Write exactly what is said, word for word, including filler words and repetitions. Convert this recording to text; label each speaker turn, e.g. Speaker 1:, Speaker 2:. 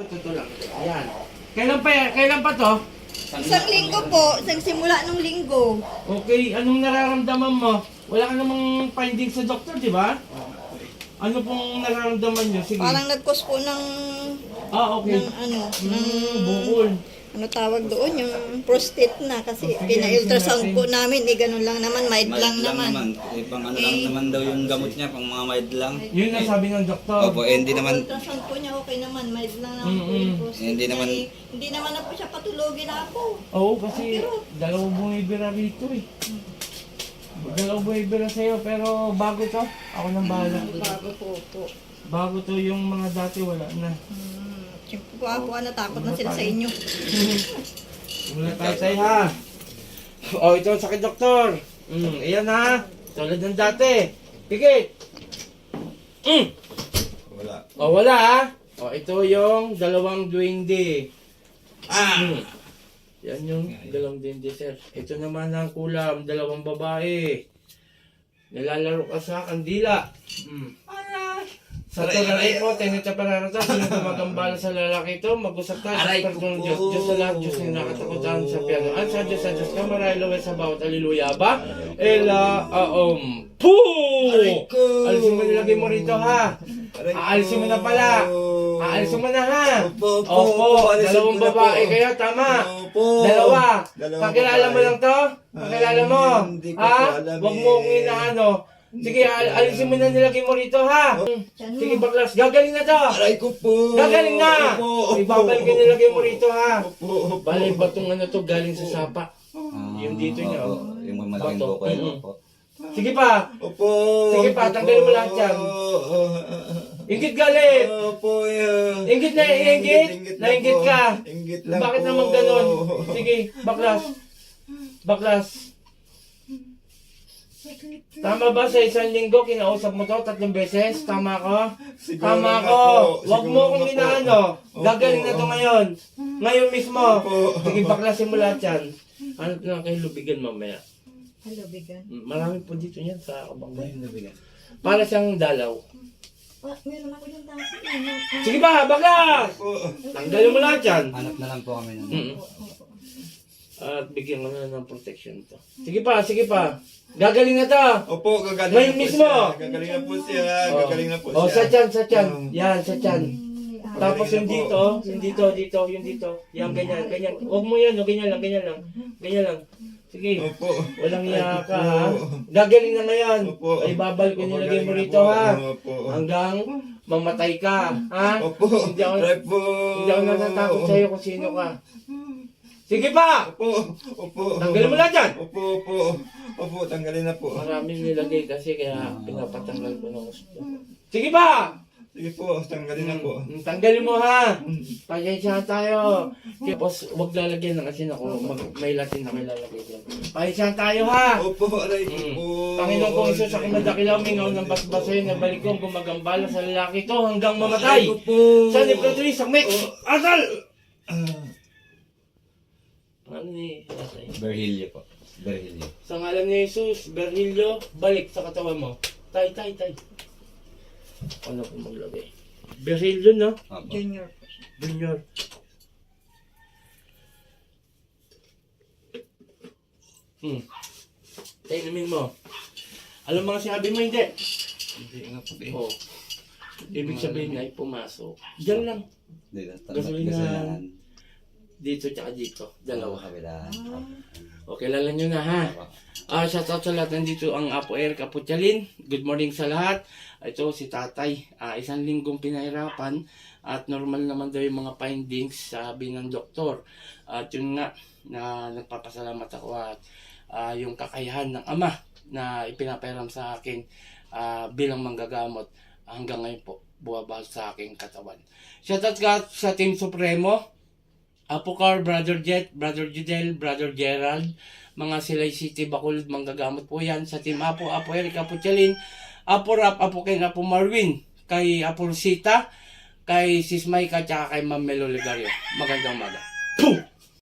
Speaker 1: Totoo lang. Ayan. Kailan pa yan? Kailan pa to?
Speaker 2: Isang linggo po, isang simula nung linggo.
Speaker 1: Okay, anong nararamdaman mo? Wala ka namang findings sa doktor, di ba? Ano pong nararamdaman nyo? Sige.
Speaker 2: Parang nag-cause po ng,
Speaker 1: Ah, okay.
Speaker 2: ng ano,
Speaker 1: Hmm,
Speaker 2: ng,
Speaker 1: bukol.
Speaker 2: ano tawag doon, yung prostate na. Kasi
Speaker 1: Okay,
Speaker 2: pina-ultrasound
Speaker 1: natin.
Speaker 2: po namin, eh ganun lang naman, mild lang naman.
Speaker 3: Eh, pang ano lang naman daw yung gamot niya, pang mga mild lang.
Speaker 1: Yun ang sabi ng doktor.
Speaker 3: Opo, eh, hindi naman,
Speaker 2: Ultrasound po niya, okay naman, mild lang naman po
Speaker 1: Mm-mm.
Speaker 2: yung prostate
Speaker 3: Hindi
Speaker 2: niya,
Speaker 3: naman-
Speaker 2: eh. Hindi naman na po siya patulogin ako.
Speaker 1: Oo, kasi dalawang bumibira rito eh. Dalawang bumibira sa'yo, pero bago to. Ako nang bahala.
Speaker 2: Bago po po.
Speaker 1: Bago to yung mga dati wala na.
Speaker 2: Hmm. Siyempre po ako, natakot na sila sa inyo.
Speaker 1: Wala tayo tayo ha. O, ito ang sakit doktor. Mm, ayan ha. Tulad ng dati. Pigit. Mm.
Speaker 3: wala.
Speaker 1: O, wala ha. O, ito yung dalawang duwende.
Speaker 3: Ah!
Speaker 1: Mm. Yan yung dalawang duwende, sir. Ito naman ang kulam, dalawang babae. Nalalaro ka sa kandila. Mm. Sa tulad mo, tenita pararata, sino gumagambala sa lalaki ito, mag-usap tayo sa
Speaker 3: Aray,
Speaker 1: pagdunong
Speaker 3: kuko.
Speaker 1: Diyos. Diyos sa lahat, Diyos na nakatakutan sa piano. Ang sa Diyos sa Diyos ka, marahil sa bawat aliluya ba? Ela, aom, poo!
Speaker 3: Aray ko!
Speaker 1: Alisin mo nilagay mo rito ha.
Speaker 3: Aray ko!
Speaker 1: Aalisin mo na pala. Aalisin mo na ha.
Speaker 3: Opo, opo,
Speaker 1: Opo,
Speaker 3: opo, alisin
Speaker 1: dalawang
Speaker 3: ko na
Speaker 1: babae
Speaker 3: po.
Speaker 1: kayo, tama.
Speaker 3: Opo.
Speaker 1: Dalawa.
Speaker 3: Dalawang
Speaker 1: Kakilala mo
Speaker 3: babae.
Speaker 1: lang to? Kakilala mo?
Speaker 3: Ay, hindi ko
Speaker 1: Ha?
Speaker 3: po alam
Speaker 1: Huwag
Speaker 3: eh.
Speaker 1: mo kong inaano. Sige, al alisin mo na nilagay mo rito ha. Sige, baklas. Gagaling na to.
Speaker 3: Aray ko po!
Speaker 1: Gagaling na.
Speaker 3: Opo, opo.
Speaker 1: Ibabalik ka nilagay mo rito ha.
Speaker 3: Opo, opo.
Speaker 1: Bale, batong ano to, galing sa sapa.
Speaker 3: Ah,
Speaker 1: Yung dito niya,
Speaker 3: opo.
Speaker 1: oh.
Speaker 3: Yung malaking
Speaker 1: Bato.
Speaker 3: buko, yun,
Speaker 1: Mm-mm.
Speaker 3: opo.
Speaker 1: Sige pa.
Speaker 3: Opo!
Speaker 1: Sige pa, tanggalin mo lahat yan. Ingit galit.
Speaker 3: Opo, yan.
Speaker 1: Ingit na ingit?
Speaker 3: lang
Speaker 1: Nainggit
Speaker 3: po.
Speaker 1: ka?
Speaker 3: Inggit lang
Speaker 1: Bakit
Speaker 3: po.
Speaker 1: naman ganon? Sige, baklas. Baklas. Tama ba sa isang linggo, kinausap mo to tatlong beses? Tama ko?
Speaker 3: Siguro
Speaker 1: Tama
Speaker 3: nga
Speaker 1: ko.
Speaker 3: po.
Speaker 1: Huwag mo
Speaker 3: Siguro
Speaker 1: kong
Speaker 3: nga po.
Speaker 1: inaano.
Speaker 3: Opo.
Speaker 1: Gagaling na to ngayon. Ngayon mismo.
Speaker 3: Opo.
Speaker 1: Sige, baklasin mo lahat yan. Ano lang kayo lubigan mamaya?
Speaker 2: Hello, bigan.
Speaker 1: Mm, Marami po dito yan sa kabangay. Para siyang dalaw.
Speaker 2: Ah, meron ako yung dati. eh.
Speaker 1: Sige ba, baklas!
Speaker 3: Opo.
Speaker 1: Tanggalin mo lahat yan.
Speaker 3: Hanap na lang po kami nun.
Speaker 1: Mm. At bigyan ko na ng protection to. Sige pa, sige pa. Gagaling na to.
Speaker 3: Opo, gagaling
Speaker 1: Ngayon
Speaker 3: na po
Speaker 1: mismo.
Speaker 3: siya. Gagaling na po siya. Gagaling na po siya.
Speaker 1: Oh, sa tiyan, sa tiyan.
Speaker 3: Oh.
Speaker 1: Yan, sa tiyan. Tapos
Speaker 3: Gagaling
Speaker 1: yung
Speaker 3: na po.
Speaker 1: dito, yung dito, dito, yung dito. Yan, ganyan, ganyan. Huwag mo yan, oh, ganyan lang, ganyan lang. Ganyan lang. Sige.
Speaker 3: Opo.
Speaker 1: Walang
Speaker 3: Aray
Speaker 1: iya
Speaker 3: ko
Speaker 1: ka,
Speaker 3: po.
Speaker 1: ha? Gagaling na ngayon.
Speaker 3: Opo.
Speaker 1: Ay, babal ko
Speaker 3: Opo,
Speaker 1: nilagay mo
Speaker 3: gagaling na
Speaker 1: rito,
Speaker 3: po.
Speaker 1: ha?
Speaker 3: Opo.
Speaker 1: Hanggang mamatay ka, ha?
Speaker 3: Opo.
Speaker 1: Hindi ako,
Speaker 3: Aray po.
Speaker 1: hindi ako natatakot sa'yo kung sino ka. Sige pa!
Speaker 3: Opo. Opo.
Speaker 1: Tanggalin mo lahat yan!
Speaker 3: Opo, opo. Opo, tanggalin na po.
Speaker 1: Maraming nilagay kasi kaya pinapatanggal ko ng gusto. Sige pa!
Speaker 3: Sige po, tanggalin na po.
Speaker 1: Mm, Tanggalin mo ha! Pasensya tayo! Tapos huwag lalagyan ng asin ako. Mag, may latin na may lalagay dyan. Pasensya tayo ha!
Speaker 3: Opo, aray ko
Speaker 1: Mm.
Speaker 3: po.
Speaker 1: Panginoon kong Isus, aking madakilaw, mingaw ng basbasoy na balik kong gumagambala sa lalaki to hanggang mamatay.
Speaker 3: Aray ko po.
Speaker 1: Sa Nipatri, sakmit! Asal!
Speaker 3: Ah,
Speaker 1: Ano ni Tatay?
Speaker 3: Berhilyo po. Berhilyo.
Speaker 1: Sa ngalan ni Jesus, Berhilyo, balik sa katawan mo. Tay, tay, tay. Ano ko maglagay? Berhilyo, no?
Speaker 3: Opo.
Speaker 2: Junior po siya.
Speaker 1: Junior. Hmm. Tainumin mo. Alam mga sinabi mo, hindi.
Speaker 3: Hindi nga po eh.
Speaker 1: Oh. Ibig sabihin ay pumasok. Diyan lang.
Speaker 3: Hindi na.
Speaker 1: Gasolina. Dito tsaka dito. Dalawa.
Speaker 3: Kabilaan.
Speaker 1: O, kilala nyo na ha. Ah, shoutout sa lahat. Nandito ang Apo Eric Aputialin. Good morning sa lahat. Ito si Tatay. Ah, isang linggong pinahirapan at normal naman daw yung mga findings sabi ng doktor. At yun nga na nagpapasalamat ako at ah, yung kakayahan ng ama na ipinapahiram sa akin ah, bilang manggagamot hanggang ngayon po buwabal sa aking katawan. Shoutout ka sa Team Supremo. Apo Car, Brother Jet, Brother Judel, Brother Gerald, mga Silay City, Bacolod, manggagamot po yan. Sa Team Apo, Apo Eric, Apo Chalin, Apo Rap, Apo Ken, Apo Marwin, kay Apo Rosita, kay Sis Maika, tsaka kay Ma'am Melo Legario. Magandang umaga.